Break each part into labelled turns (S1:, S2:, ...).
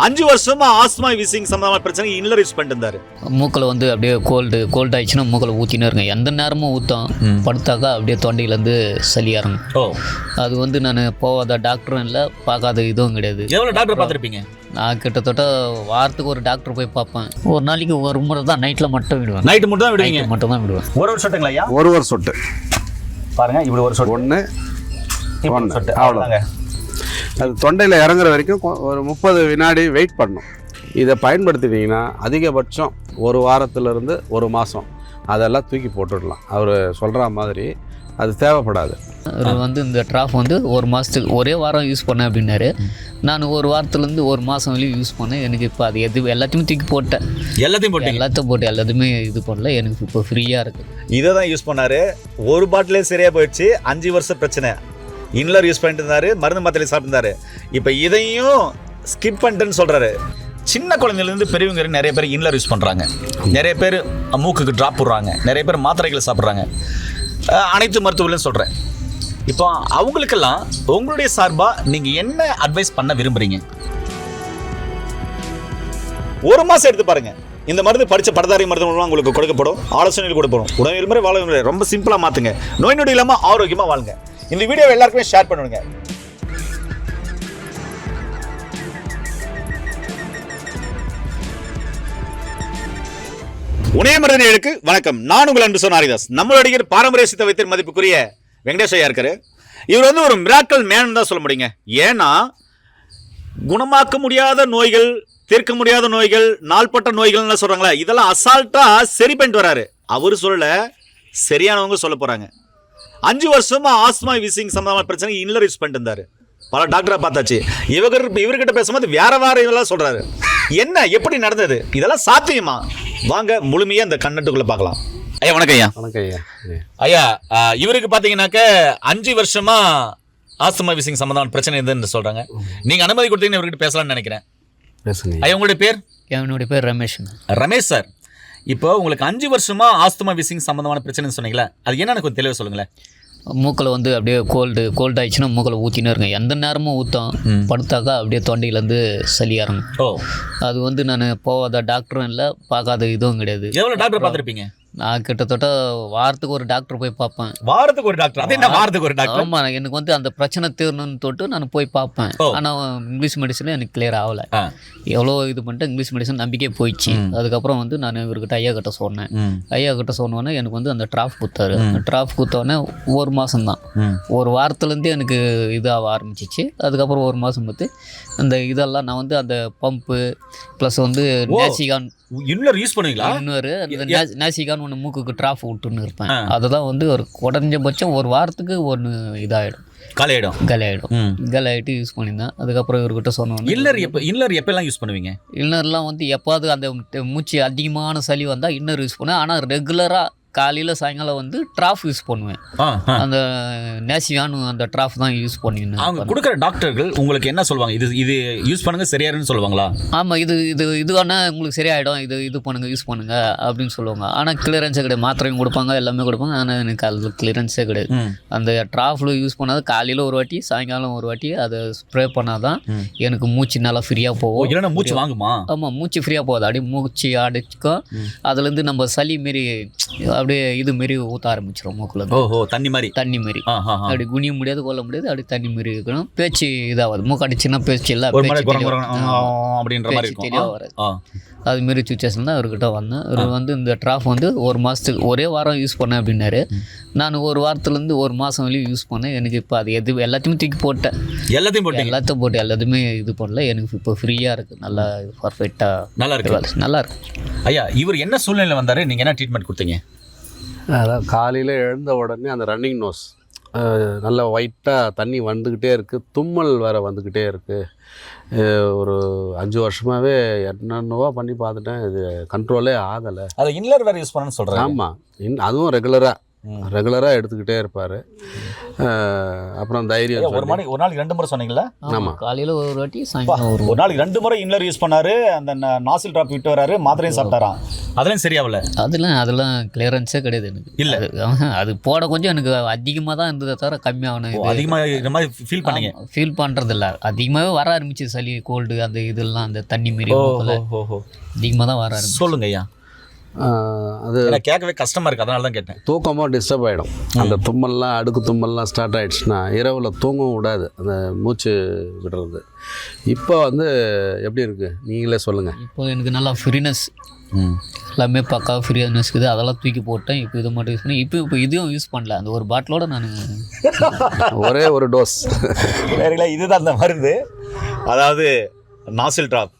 S1: 5 வருஷமா asthma wheezing சம்பந்தமான பிரச்சனை இன்னலர் யூஸ் பண்ணிட்டு இருந்தாரு.
S2: மூக்கில் வந்து அப்படியே கோல்டு ஆயிடுச்சுன்னா மூக்கில் ஊற்றினே இருங்க. எந்த நேரமும் ஊற்றும். படுத்தாக்கா அப்படியே தொண்டையிலேருந்து சளி இறங்கும். அது வந்து நான் போகாத டாக்டரும் இல்லை, பார்க்காத இதுவும் கிடையாது.
S1: எவ்வளோ டாக்டர் பார்த்துருப்பீங்க?
S2: நான் கிட்டத்தட்ட வாரத்துக்கு ஒரு டாக்டர் போய் பார்ப்பேன். ஒரு நாளைக்கு ஒரு முறை தான் நைட்டில் மட்டும் விடுவேன்.
S1: நைட்டு மட்டும் தான் விடுவீங்க?
S2: மட்டும் தான் விடுவேன்.
S1: ஒரு சொட்டுங்களா ஐயா?
S3: ஒரு சொட்டு
S1: பாருங்க, இப்படி ஒரு சொட்டு,
S3: ஒன்று
S1: சொட்டு அவ்வளோதாங்க.
S3: அது தொண்டையில் இறங்குற வரைக்கும் ஒரு 30 வினாடி வெயிட் பண்ணணும். இதை பயன்படுத்தினீங்கன்னா அதிகபட்சம் ஒரு வாரத்திலிருந்து ஒரு மாதம் அதெல்லாம் தூக்கி போட்டுடலாம். அவர் சொல்கிற மாதிரி அது தேவைப்படாது.
S2: அவர் வந்து இந்த ட்ராஃப் வந்து ஒரு மாதத்துக்கு ஒரே வாரம் யூஸ் பண்ணேன் அப்படின்னாரு. நான் ஒரு வாரத்துலேருந்து ஒரு மாதம் வரையும் யூஸ் பண்ணேன். எனக்கு இப்போ அது எல்லாத்தையுமே தூக்கி போட்டேன். எல்லாத்தையும் போட்டு எல்லாத்தையுமே இது பண்ணல. எனக்கு இப்போ ஃப்ரீயாக இருக்குது.
S1: இதை தான் யூஸ் பண்ணார். ஒரு பாட்டிலே சரியாக போயிடுச்சு. 5 வருஷம் பிரச்சனை. இன்லர் யூஸ் பண்ணிட்டு இருந்தாரு, மருந்து மாத்திரை சாப்பிட்டுருந்தாரு. இப்போ இதையும் ஸ்கிப் பண்ணிட்டுன்னு சொல்கிறாரு. சின்ன குழந்தைலேருந்து பெரியவங்க நிறைய பேர் இன்லர் யூஸ் பண்ணுறாங்க. நிறைய பேர் மூக்குக்கு ட்ராப் போடுறாங்க. நிறைய பேர் மாத்திரைகளை சாப்பிட்றாங்க. அனைத்து மருத்துவர்களையும் சொல்கிறேன். இப்போ அவங்களுக்கெல்லாம் உங்களுடைய சார்பாக நீங்கள் என்ன அட்வைஸ் பண்ண விரும்புகிறீங்க? ஒரு மாதம் எடுத்து பாருங்கள். இந்த மருந்து படித்த படதாரி மருந்து உங்களுக்கு கொடுக்கப்படும். ஆலோசனைகள் கொடுப்படும். உடனே முறை வாழ ரொம்ப சிம்பிளாக மாற்றுங்க. நோய் நொடி இல்லாமல் ஆரோக்கியமாக வாழுங்க. இந்த வீடியோவை எல்லாருக்குமே ஷேர் பண்ணுங்க. உணயமருந்தினருக்கு வணக்கம். நான் உங்கள் அன்பு சொன்ன ஹரிதாஸ். நம்மளுடைய பாரம்பரிய சித்த வைத்தியர் மதிப்புக்குரிய வெங்கடேஷ் ஐயா இருக்காரு. இவர் வந்து ஒரு மிராக்கல் மேன் தான் சொல்ல முடியுங்க. ஏன்னா குணமாக்க முடியாத நோய்கள், தீர்க்க முடியாத நோய்கள், நாள்பட்ட நோய்கள்னு சொல்றாங்களே, இதெல்லாம் அசால்ட்டா சரி பண்ணிட்டு வராரு. அவரு சொல்லல, சரியானவங்க சொல்ல போறாங்க. 5 வருஷமா ஆஸ்மா வீசிங் சம்பந்தமான பிரச்சனை இன்னலர் யூஸ் பண்ணிட்டு இருந்தாரு. பல டாக்டரை பார்த்தாச்சு. இவர்கிட்ட பேசும்போது வேற இதெல்லாம் சொல்றாரு. என்ன, எப்படி நடந்தது, இதெல்லாம் சாத்தியமா? வாங்க முழுமையா இந்த கண்ணட்டுக்குள்ள பார்க்கலாம். ஐயா வணக்கம். ஐயா
S3: வணக்கம்.
S1: ஐயா இவருக்கு பாத்தீங்கன்னாக்க 5 வருஷமா ஆஸ்மா வீசிங் சம்பந்தமான பிரச்சனை இருந்துன்னு சொல்றாங்க. நீங்க அனுமதி கொடுத்தீங்கன்னு இவர்கிட்ட பேசலாம்னு நினைக்கிறேன். ஐயா உங்களுடைய பேர்?
S2: என்னுடைய பேர் ரமேஷ்.
S1: ரமேஷ் சார், இப்போ உங்களுக்கு 5 வருஷமா ஆஸ்துமா வீசிங் சம்பந்தமான பிரச்சனைன்னு சொன்னீங்களா, அது என்னன்னு கொஞ்சம் தெளிவாக சொல்லுங்களேன்.
S2: மூக்கில் வந்து அப்படியே கோல்டு ஆயிடுச்சுன்னா மூக்கில் ஊற்றினே இருங்க. எந்த நேரமும் ஊற்றும். படுத்தாக்கா அப்படியே தொண்டையிலேருந்து சளி இறங்கும். அது வந்து நான் போகாத டாக்டரும் இல்லை, பார்க்காத இதுவும் கிடையாது.
S1: எவ்வளோ டாக்டர் பார்த்துருப்பீங்க?
S2: நான் கிட்டத்தட்ட வாரத்துக்கு ஒரு டாக்டர் போய் பார்ப்பேன்.
S1: வாரத்துக்கு ஒரு டாக்டர்? அது என்ன வாரத்துக்கு ஒரு டாக்டர்?
S2: ஆமாம், எனக்கு வந்து அந்த பிரச்சனை தீரணும்னு தொட்டு நான் போய் பார்ப்பேன். ஆனால் இங்கிலீஷ் மெடிசன் எனக்கு கிளியர் ஆகலை. எவ்வளோ இது பண்ணிட்டு இங்கிலீஷ் மெடிசன் நம்பிக்கையே போயிடுச்சு. அதுக்கப்புறம் வந்து நான் இவர்கிட்ட ஐயா கிட்ட சொன்னேன். ஐயா கிட்ட சொன்னோன்னே எனக்கு வந்து அந்த ட்ராஃப் கொடுத்தாரு. ட்ராஃப் கொடுத்தோடனே ஒரு மாதம் தான், ஒரு வாரத்துலேருந்தே எனக்கு இதாக ஆரம்பிச்சிச்சு. அதுக்கப்புறம் ஒரு மாதம் பார்த்து அந்த இதெல்லாம் நான் வந்து அந்த பம்பு ப்ளஸ் வந்து நேசிகான்
S1: இன்னொரு யூஸ் பண்ணுவீங்களா?
S2: இன்னொரு அந்த நேசிகான் ஒன்று மூக்குக்கு ட்ராஃப் விட்டுன்னு இருப்பேன். அதுதான் வந்து ஒரு குறைஞ்சபட்சம் ஒரு வாரத்துக்கு ஒன்று இதாகிடும், காலியாகிட்டு யூஸ் பண்ணியிருந்தேன். அதுக்கப்புறம் இவர்கிட்ட சொன்னோம்,
S1: இன்னர் எப்பெல்லாம் யூஸ் பண்ணுவீங்க?
S2: இன்னர்லாம் வந்து எப்பாவது அந்த மூச்சு அதிகமான சளி வந்தால் இன்னர் யூஸ் பண்ணுவேன். ஆனால் ரெகுலராக காலையில் சாயங்காலம் வந்து ட்ராஃப் யூஸ் பண்ணுவேன். அந்த நேசியானு அந்த ட்ராஃப் தான் யூஸ் பண்ணிருந்தேன்.
S1: அவங்க கொடுக்குற டாக்டர்கள் உங்களுக்கு என்ன சொல்லுவாங்க? இது யூஸ் பண்ணுங்க சரியாருன்னு சொல்லுவாங்களா?
S2: ஆமாம், இதுவானா உங்களுக்கு சரியாயிடும், இது பண்ணுங்க, யூஸ் பண்ணுங்க அப்படின்னு சொல்லுவாங்க. ஆனால் கிளியரன்ஸே கிடையாது. மாத்திரையும் கொடுப்பாங்க, எல்லாமே கொடுப்பாங்க. ஆனால் எனக்கு அதில் கிளியரன்ஸே கிடையாது. அந்த ட்ராஃபில் யூஸ் பண்ணாது காலையில் ஒரு வாட்டி சாயங்காலம் ஒரு வாட்டி அதை ஸ்ப்ரே பண்ணாதான் எனக்கு மூச்சு நல்லா ஃப்ரீயாக போகும்.
S1: இல்லைன்னா மூச்சு வாங்குமா?
S2: ஆமாம், மூச்சு ஃப்ரீயாக போகாது. அப்படியே மூச்சு அடிச்சுக்கும். அதுலேருந்து நம்ம சளி மாரி அப்படியே இது மாரி ஊற்ற ஆரம்பிச்சிடும் மூக்குல. தண்ணி மாரி அப்படி குனிய முடியாது, கொல்ல முடியாது. அப்படி தண்ணி மாரி இருக்கணும். பேச்சு இதாகாது. மூக்கு அடிச்சுன்னா பேச்சு இல்லை, தெளிவாக வராது. அது மாரி சுச்சுவேஷன் தான் அவர்கிட்ட வந்தேன். அவர் வந்து இந்த ட்ராஃப் வந்து ஒரு மாதத்துக்கு ஒரே வாரம் யூஸ் பண்ணேன் அப்படின்னாரு. நான் ஒரு வாரத்துலேருந்து ஒரு மாதம் வரையும் யூஸ் பண்ணேன். எனக்கு இப்போ அது எல்லாத்தையுமே தூக்கி போட்டேன். எல்லாத்தையும் போட்டு எல்லாத்தையுமே இது பண்ணல. எனக்கு இப்போ ஃப்ரீயாக இருக்குது. நல்லா பர்ஃபெக்டாக நல்லா இருக்கு.
S1: ஐயா இவர் என்ன சூழ்நிலை வந்தார்? நீங்கள் என்ன ட்ரீட்மெண்ட் கொடுத்தீங்க?
S3: அதான் காலையில் எழுந்த உடனே அந்த ரன்னிங் நோஸ், நல்லா ஒயிட்டாக தண்ணி வந்துக்கிட்டே இருக்குது, தும்மல் வேறு வந்துக்கிட்டே இருக்குது. ஒரு 5 வருஷமாகவே என்னென்னவோ பண்ணி பார்த்துட்டேன், இது கண்ட்ரோலே ஆகலை.
S1: அதை இன்னலர் வேறு யூஸ் பண்ணணும்னு சொல்கிறேன்.
S3: ஆமாம், அதுவும் ரெகுலராக எடுத்துக்கிட்டே இருப்பார். அப்புறம் தைரியம்
S1: ஒரு நாளைக்கு 2 முறை சொன்னீங்களா?
S2: ஆமாம், காலையில் ஒரு வாட்டி சாயங்காலம்
S1: ஒரு நாளைக்கு 2 முறை இன்னலர் யூஸ் பண்ணார். அந்த நாசில் ட்ராப் விட்டு வராரு, மாத்திரையும் சாப்பிட்டாராம். அதெல்லாம் சரியாகல.
S2: அதெல்லாம் கிளியரன்ஸே கிடையாது எனக்கு.
S1: இல்லை
S2: அது போட கொஞ்சம் எனக்கு அதிகமாக தான் இருந்ததை தவிர கம்மியாகணும்.
S1: அதிகமாக இந்த மாதிரி ஃபீல் பண்ணீங்க?
S2: ஃபீல் பண்ணுறதில்ல, அதிகமாகவே வர ஆரம்பிச்சு சளி கோல்டு அந்த இதெல்லாம் அந்த தண்ணி மாரி அதிகமாக தான் வர ஆரம்பிச்சு.
S1: சொல்லுங்க ஐயா. அது கேட்கவே கஷ்டமாக இருக்குது, அதனால தான் கேட்டேன்.
S3: தூக்கமாக டிஸ்டர்ப் ஆகிடும். அந்த தும்மல்லாம் அடுக்கு தும்மல்லாம் ஸ்டார்ட் ஆகிடுச்சுன்னா இரவில் தூங்கவும் விடாது, அந்த மூச்சு விடுறது. இப்போ வந்து எப்படி இருக்குது நீங்களே சொல்லுங்கள்.
S2: இப்போ எனக்கு நல்லா ஃப்ரீனஸ், எல்லாமே பக்கா ஃப்ரீனஸ் இருக்குது. அதெல்லாம் தூக்கி போட்டேன். இப்போ இது மட்டும் யூஸ் பண்ணி இப்போ இதையும் யூஸ் பண்ணல. அந்த ஒரு பாட்டிலோட நான்
S3: ஒரே ஒரு டோஸ்
S1: வேறுங்களா. இதுதான் அந்த மருந்து, அதாவது நாசில் ட்ராப்,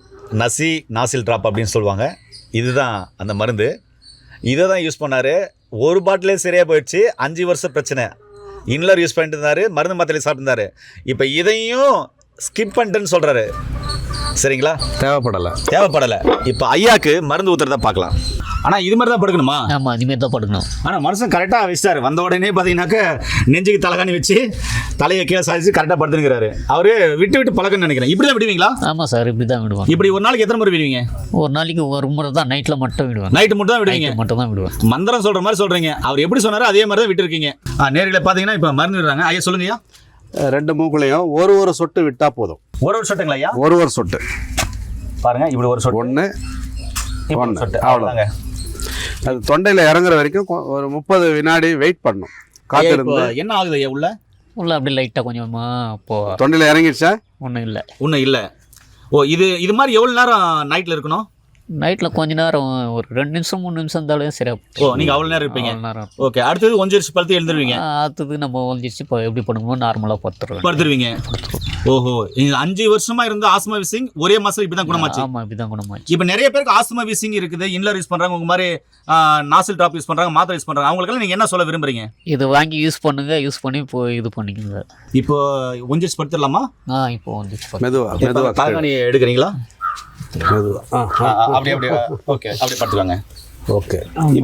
S1: நாசில் ட்ராப் அப்படின்னு சொல்லுவாங்க. இதுதான் அந்த மருந்து. இதை தான் யூஸ் பண்ணார். ஒரு பாட்டிலே சரியாக போயிடுச்சு. 5 வருஷம் பிரச்சனை. இன்லர் யூஸ் பண்ணிட்டு இருந்தார், மருந்து மாத்திரை சாப்பிட்டுருந்தாரு. இப்போ இதையும் ஸ்கிப் பண்ணிட்டுன்னு சொல்கிறாரு. சரிங்களா, தேவைப்படலை. இப்போ ஐயாக்கு மருந்து ஊற்றுறதா பார்க்கலாம். ஆனால் இது மாதிரி தான் படுக்கணுமா?
S2: ஆமாம், இதுமாரி தான் படுக்கணும்.
S1: ஆனால் மனுஷன் கரெக்டாக வச்சிட்டாரு. வந்த உடனே பார்த்தீங்கன்னாக்க நெஞ்சுக்கு தலைகாணி வச்சு தலையை கீழே சாதிச்சு கரெக்டாக படுத்துருக்கிறாரு. அவரு விட்டு பழக்கம்னு நினைக்கிறேன். இப்படி தான் விடுவீங்களா?
S2: ஆமாம் சார், இப்படி தான் விடுவோம்.
S1: இப்படி ஒரு நாளைக்கு எத்தனை முறை விடுவீங்க?
S2: ஒரு நாளைக்கு ஒரு முறை தான், நைட்டில் மட்டும் விடுவேன்.
S1: நைட்டு மட்டும் தான் விடுவீங்க?
S2: மட்டும் தான் விடுவேன்.
S1: மந்திரம் சொல்கிற மாதிரி சொல்கிறீங்க. அவர் எப்படி சொன்னாரோ அதே மாதிரி தான் விட்டுருக்கீங்க. நேர்களை பார்த்தீங்கன்னா இப்போ மருந்து விடுறாங்க. ஐயா சொல்லுங்கய்யா.
S3: 2 மூக்குலையும் ஒரு சொட்டு விட்டால் போதும்.
S1: ஒரு சொட்டுங்களா ஐயா?
S3: ஒரு சொட்டு
S1: பாருங்க, இப்படி ஒரு சொட்டு,
S3: ஒன்று
S1: சொட்டு, அவ்வளோதாங்க.
S3: அது தொண்டையில் இறங்குற வரைக்கும் ஒரு 30 வினாடி வெயிட் பண்ணணும். காத்திருந்து
S1: என்ன ஆகுது ஐயா? உள்ள
S2: அப்படி லைட்டாக கொஞ்சமாக இப்போ
S3: தொண்டையில் இறங்கிடுச்சா?
S2: ஒன்றும் இல்லை.
S1: ஓ, இது மாதிரி எவ்வளோ நேரம் நைட்டில் இருக்கணும்?
S2: நைட்டில் கொஞ்ச நேரம், ஒரு 2 நிமிஷம் 3 நிமிஷம் இருந்தாலும் சரியாக.
S1: ஓ, நீங்கள் அவ்வளோ நேரம் இருப்பீங்க? ஓகே. அடுத்தது ஒஞ்சிருச்சு படுத்து எழுந்துருவீங்க?
S2: அடுத்தது நம்ம ஒஞ்சிருச்சு இப்போ எப்படி பண்ணுவோம், நார்மலாக
S1: படுத்துருவீங்க. ஓஹோ, 5 வருஷமா இருந்த ஆஸ்மா வீசிங் ஒரே மாசம் இப்படி தான் குணமாச்சு?
S2: ஆமாம், இப்படி தான் குணமாச்சு.
S1: இப்போ நிறைய பேருக்கு ஆஸ்மா வீசிங் இருக்குது, இன்லர் யூஸ் பண்ணுறாங்க, உங்கள் மாதிரி நாசில் ட்ராப் யூஸ் பண்ணுறாங்க, மாத்திரை யூஸ் பண்ணுறாங்க. அவங்களுக்கெல்லாம் நீங்கள் என்ன சொல்ல விரும்புறீங்க?
S2: இது வாங்கி யூஸ் பண்ணுங்க, யூஸ் பண்ணி இப்போ இது பண்ணிக்கோங்க.
S1: இப்போ ஒஞ்சிருச்சு படுத்துடலாமா?
S2: இப்போ ஒஞ்சிருச்சு.
S3: மெதுவாக
S1: தலைகாணியை எடுக்கிறீங்களா? அப்படி ஓகே, அப்படி படுத்துக்கோங்க.
S3: ஓகே,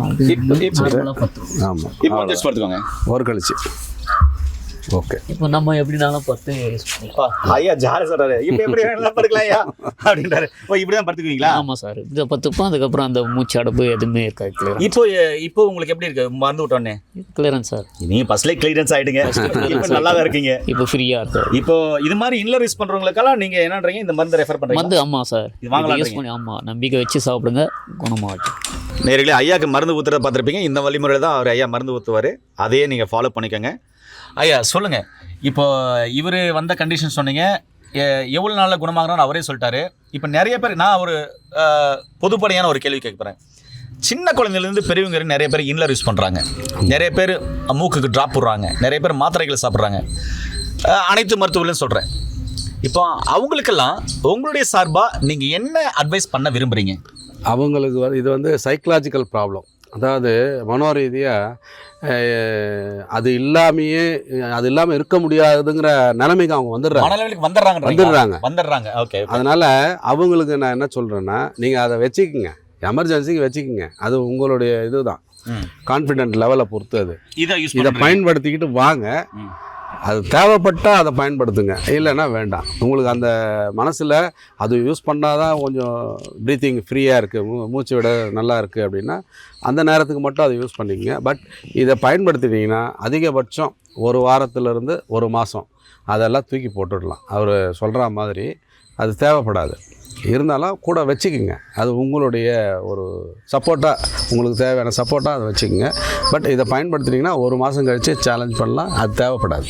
S3: ஆமாம்,
S1: இப்போ படுத்துக்கோங்க.
S3: ஒரு கழிச்சு. ஓகே,
S2: இப்போ நம்ம எப்படினாலும்
S1: ஐயா ஜாலி சொல்றாரு. இப்போ எப்படி வேணாலும் படுக்கலாம் ஐயா அப்படின்றாரு. ஓ, இப்படி தான் படுத்துக்குவீங்களா?
S2: ஆமாம் சார், இதை பத்துப்போம். அதுக்கப்புறம் அந்த மூச்சு அடப்பு எதுவுமே இருக்காது.
S1: இப்போ உங்களுக்கு எப்படி இருக்கு மறந்து விட்டோன்னே?
S2: Clearance sir.
S1: நீங்கள் ஃபர்ஸ்ட்லேயே கிளியரன்ஸ் ஆகிடுங்க. இப்போ நல்லா தான் இருக்கீங்க.
S2: இப்போ ஃப்ரீயாக இருக்கு.
S1: இப்போ இது மாதிரி இன்லர் யூஸ் பண்ணுறவங்களுக்கெல்லாம் நீங்கள் என்னன்றீங்க, இந்த மருந்து ரெஃபர் பண்ணுறீங்க?
S2: ஆமாம் சார், யூஸ் பண்ணி. ஆமாம், நம்பிக்கை வச்சு சாப்பிடுங்க, குணமாகட்டும்.
S1: நேர்களே, ஐயாவுக்கு மருந்து ஊற்றுறத பார்த்துருப்பீங்க. இந்த வழிமுறையில் தான் அவர் ஐயா மருந்து ஊற்றுவார். அதையே நீங்கள் ஃபாலோ பண்ணிக்கோங்க. ஐயா சொல்லுங்கள், இப்போ இவர் வந்த கண்டிஷன் சொன்னீங்க, எவ்வளோ நாளில் குணமாகணும்னு அவரே சொல்லிட்டாரு. இப்போ நிறைய பேர், நான் ஒரு பொதுப்படையான ஒரு கேள்வி கேட்குறேன். சின்ன குழந்தைலேருந்து பெரியவங்க நிறைய பேர் இன்லர் யூஸ் பண்ணுறாங்க, நிறைய பேர் மூக்குக்கு ட்ராப் போடுறாங்க, நிறைய பேர் மாத்திரைகளை சாப்பிட்றாங்க. அனைத்து மருத்துவர்களையும் சொல்கிறேன். இப்போ அவங்களுக்கெல்லாம் உங்களுடைய சார்பாக நீங்கள் என்ன அட்வைஸ் பண்ண விரும்புகிறீங்க?
S3: அவங்களுக்கு இது வந்து சைக்கலாஜிக்கல் ப்ராப்ளம். அதாவது மனோரீதியாக அது இல்லாமல் இருக்க முடியாதுங்கிற நிலைமைக்கு அவங்க வந்துடுறாங்க.
S1: ஓகே,
S3: அதனால் அவங்களுக்கு நான் என்ன சொல்கிறேன்னா, நீங்கள் அதை வச்சுக்கோங்க, எமர்ஜென்சிக்கு வச்சுக்கோங்க. அது உங்களுடைய இதுதான், கான்ஃபிடென்ட் லெவலை பொறுத்து. அது இதை பயன்படுத்திக்கிட்டு வாங்க. அது தேவைப்பட்டால் அதை பயன்படுத்துங்க, இல்லைன்னா வேண்டாம். உங்களுக்கு அந்த மனசில் அது யூஸ் பண்ணால் தான் கொஞ்சம் ப்ரீத்திங் ஃப்ரீயாக இருக்குது, மூச்சு விட நல்லா இருக்குது அப்படின்னா அந்த நேரத்துக்கு மட்டும் அதை யூஸ் பண்ணிக்கங்க. பட் இதை பயன்படுத்திட்டிங்கன்னா அதிகபட்சம் 1 வாரத்திலிருந்து 1 மாதம் அதெல்லாம் தூக்கி போட்டுடலாம். அவர் சொல்கிற மாதிரி அது தேவைப்படாது. இருந்தாலும் கூட வச்சுக்கோங்க. அது உங்களுடைய ஒரு சப்போர்ட்டாக, உங்களுக்கு தேவையான சப்போர்ட்டாக அதை வச்சுக்கோங்க. பட் இதை பயன்படுத்தினீங்கன்னா 1 மாதம் கழித்து சேலஞ்ச் பண்ணலாம். அது தேவைப்படாது.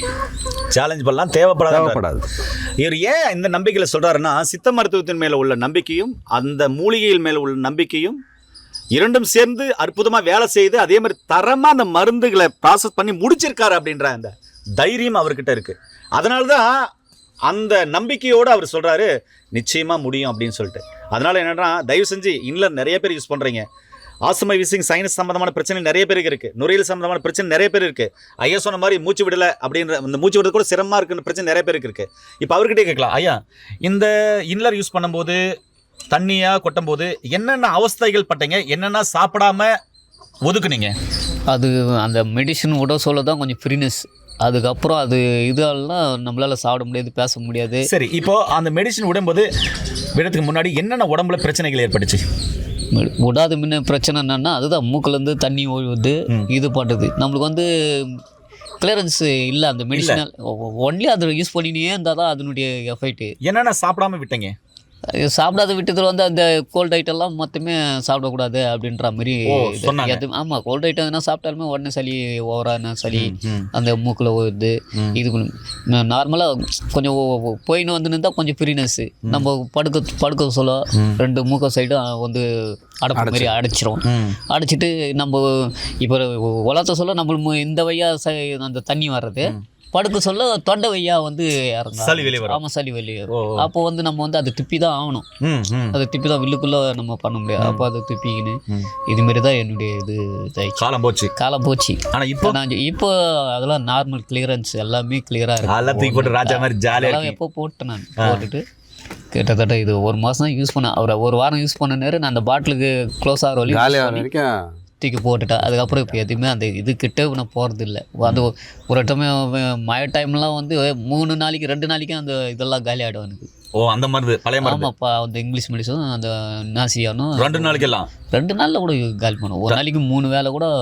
S1: இவர் ஏன் இந்த நம்பிக்கையில் சொல்கிறாருன்னா, சித்த மருத்துவத்தின் மேலே உள்ள நம்பிக்கையும் அந்த மூலிகையில் மேலே உள்ள நம்பிக்கையும் இரண்டும் சேர்ந்து அற்புதமாக வேலை செய்து, அதே மாதிரி தரமாக அந்த மருந்துகளை ப்ராசஸ் பண்ணி முடிச்சிருக்காரு அப்படின்ற அந்த தைரியம் அவர்கிட்ட இருக்குது. அதனால தான் அந்த நம்பிக்கையோடு அவர் சொல்கிறாரு, நிச்சயமாக முடியும் அப்படின்னு சொல்லிட்டு. அதனால் என்னென்னா, தயவு செஞ்சு இன்லர் நிறைய பேர் யூஸ் பண்ணுறீங்க. ஆஸ்துமா வீசிங், சைனஸ் சம்மந்தமான பிரச்சனை நிறைய பேருக்கு இருக்குது, நுரையீரல் சம்மந்தமான பிரச்சனை நிறைய பேர் இருக்குது. ஐயா சொன்ன மாதிரி மூச்சு விடலை அப்படின்ற இந்த மூச்சு விடுறது கூட சிரமமாக இருக்குன்ற பிரச்சனை நிறைய பேருக்கு இருக்குது. இப்போ அவர்கிட்டே கேட்கலாம், ஐயா இந்த இன்லர் யூஸ் பண்ணும்போது, தண்ணியாக கொட்டும் போது என்னென்ன அவஸ்தைகள் பட்டீங்க, என்னென்ன சாப்பிடாம ஒதுக்குனீங்க?
S2: அது அந்த மெடிசன் விட சொல்ல தான் கொஞ்சம் ஃப்ரீனஸ். அதுக்கப்புறம் அது இதெல்லாம் நம்மளால் சாப்பிட முடியாது, பேச முடியாது.
S1: சரி, இப்போது அந்த மெடிசன் விடும்போது விடத்துக்கு முன்னாடி என்னென்ன உடம்புல பிரச்சனைகள் ஏற்பட்டுச்சு?
S2: விடாத முன்ன பிரச்சனை என்னன்னா அதுதான் மூக்குலேருந்து தண்ணி ஒழுகுது இது பண்ணுறது நம்மளுக்கு வந்து கிளியரன்ஸ் இல்லை அந்த மெடிசினல் ஒன்லி அதை யூஸ் பண்ணினே இருந்தால் தான் அதனுடைய எஃபெக்ட்.
S1: என்னென்ன சாப்பிடாம விட்டீங்க?
S2: சாப்பிடாத விட்டதில் வந்து அந்த கோல்ட் ஐட்டம்லாம் மொத்தமே சாப்பிடக்கூடாது அப்படின்ற மாதிரி. ஆமாம், கோல்ட் ஐட்டம் எதுனா சாப்பிட்டாலுமே உடனே சளி ஓவரான சளி அந்த மூக்கில் வருது. இது நார்மலாக கொஞ்சம் போயின்னு வந்து நின்றா கொஞ்சம் ஃப்ரீனஸ்ஸு. நம்ம படுக்க சொல்ல 2 மூக்க சைடும் வந்து அடைப்பு மாதிரி அடைச்சிரும். அடைச்சிட்டு நம்ம இப்போ உலகத்தை சொல்ல நம்ம இந்த வழியா அந்த தண்ணி வர்றது, படுக்க சொல்ல தொண்டை வையா வந்து
S1: சளி வெளியே வரும்.
S2: ஆமாம், சளி வெளியே வரும். அப்போ வந்து நம்ம வந்து அதை திப்பி தான் ஆகணும். அதை திப்பி தான் வில்லுக்குள்ளே நம்ம பண்ண முடியாது. அப்போ அதை திப்பிக்கின்னு இதுமாரி தான் என்னுடைய இது காலம் போச்சு. ஆனால் இப்போ அதெல்லாம் நார்மல் கிளியரன்ஸ் எல்லாமே கிளியராக இருக்கு. எப்போ போட்டேன் நான் போட்டுட்டு கிட்டத்தட்ட இது 1 மாதம் தான் யூஸ் பண்ணேன். அவரை 1 வாரம் யூஸ் பண்ண நேரம் நான் அந்த பாட்டிலுக்கு க்ளோஸ் ஆகிற வரைக்கும் தூக்கி போட்டுட்டேன். அதுக்கப்புறம் இப்போ எதுவுமே அந்த இது கிட்டே நான் போகிறது இல்லை. அது ஒரு மழை டைம்லாம் வந்து 3 நாளைக்கு 2 நாளைக்கு அந்த இதெல்லாம் காலி ஆகிடும் எனக்கு.
S1: அந்த மருந்து பழைய மருந்து.
S2: ஆமாப்பா, அந்த இங்கிலீஷ் மெடிசனும் அந்த நாசியானும்
S1: 2 நாளைக்கெல்லாம்
S2: 2 நாளில் கூட காலி பண்ணும். ஒரு நாளைக்கு 3 வேளை கூட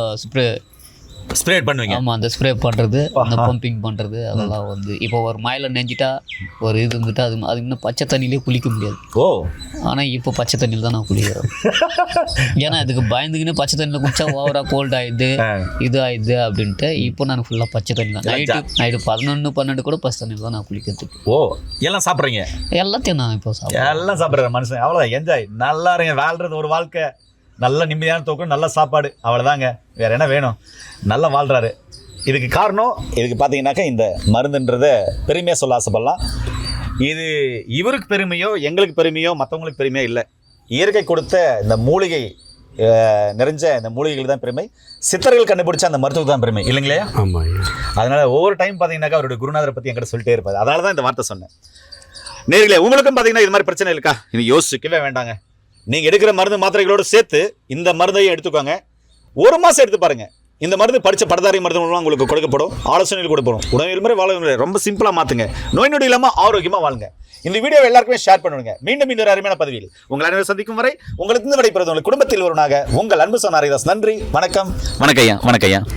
S1: ஸ்ப்ரே பண்ணுவீங்க?
S2: ஆமாம், அந்த ஸ்ப்ரே பண்ணுறது, அந்த பம்பிங் பண்ணுறது அதெல்லாம் வந்து இப்போ ஒரு மழையில் நெஞ்சிட்டா ஒரு இது இருந்துட்டா அது இன்னும் பச்சை தண்ணியிலே குளிக்க முடியாது. ஆனால் இப்போ பச்சை தண்ணியில் தான் நான் குளிக்கிறேன். ஏன்னா அதுக்கு பயந்துக்கின்னு பச்சை தண்ணியில் குடிச்சா ஓவராக கோல்ட் ஆயிடுது இது ஆயிடுது அப்படின்ட்டு இப்போ நான் ஃபுல்லாக பச்சை தண்ணி தான். நைட்டு 11, 12 கூட பச்சை தண்ணியில் தான் நான் குளிக்கிறதுக்கு.
S1: எல்லாம் சாப்பிட்றீங்க?
S2: எல்லாத்தையும் நான் இப்போ
S1: எல்லாம் சாப்பிட்றேன் மனுஷன். அவ்வளோ என்ஜாய், நல்லா இருங்க. வாழ்றது ஒரு வாழ்க்கை, நல்ல நிம்மதியான தூக்கம், நல்ல சாப்பாடு, அவ்வளோதாங்க. வேறு என்ன வேணும்? நல்லா வாழ்கிறாரு. இதுக்கு காரணம் இதுக்கு பார்த்தீங்கன்னாக்கா இந்த மருந்துன்றதை பெருமையாக சொல்ல ஆசைப்படலாம். இது இவருக்கு பெருமையோ எங்களுக்கு பெருமையோ மற்றவங்களுக்கு பெருமையோ இல்லை. இயற்கை கொடுத்த இந்த மூலிகை நிறைஞ்ச இந்த மூலிகைகள் தான் பெருமை. சித்தர்கள் கண்டுபிடிச்ச அந்த மருத்துவம் தான் பெருமை, இல்லைங்களே?
S3: ஆமாம்.
S1: அதனால் ஒவ்வொரு டைம் பார்த்தீங்கன்னாக்கா அவருடைய குருநாதரை பற்றி என்கிட்ட சொல்லிட்டே இருப்பார். அதனால தான் இந்த வார்த்தை சொன்னேன். நேர்களே, உங்களுக்கும் பார்த்தீங்கன்னா இது மாதிரி பிரச்சனை இருக்கா? இது யோசிக்கவே வேண்டாங்க. நீங்கள் எடுக்கிற மருந்து மாத்திரைகளோடு சேர்த்து இந்த மருந்தையும் எடுத்துக்கோங்க. 1 மாதம் எடுத்து பாருங்கள். இந்த மருந்து படித்த படதாரி மருந்து மூலமாக உங்களுக்கு கொடுக்கப்படும், ஆலோசனைகள் கொடுப்படும். உணவு முறை வாழ ரொம்ப சிம்பிளாக மாற்றுங்க. நோய் நொடி இல்லாமல் ஆரோக்கியமாக வாழுங்க. இந்த வீடியோ எல்லாருக்குமே ஷேர் பண்ணுங்க. மீண்டும் இன்னொரு அருமையான பதிவில் உங்கள் அனைவரும் சந்திக்கும் வரை உங்களுக்கு விடைபெறுவது உங்கள் குடும்பத்தில் ஒருவனாக உங்கள் அன்பு சொன்ன ஹரிதாஸ். நன்றி, வணக்கம். வணக்கம் ஐயா.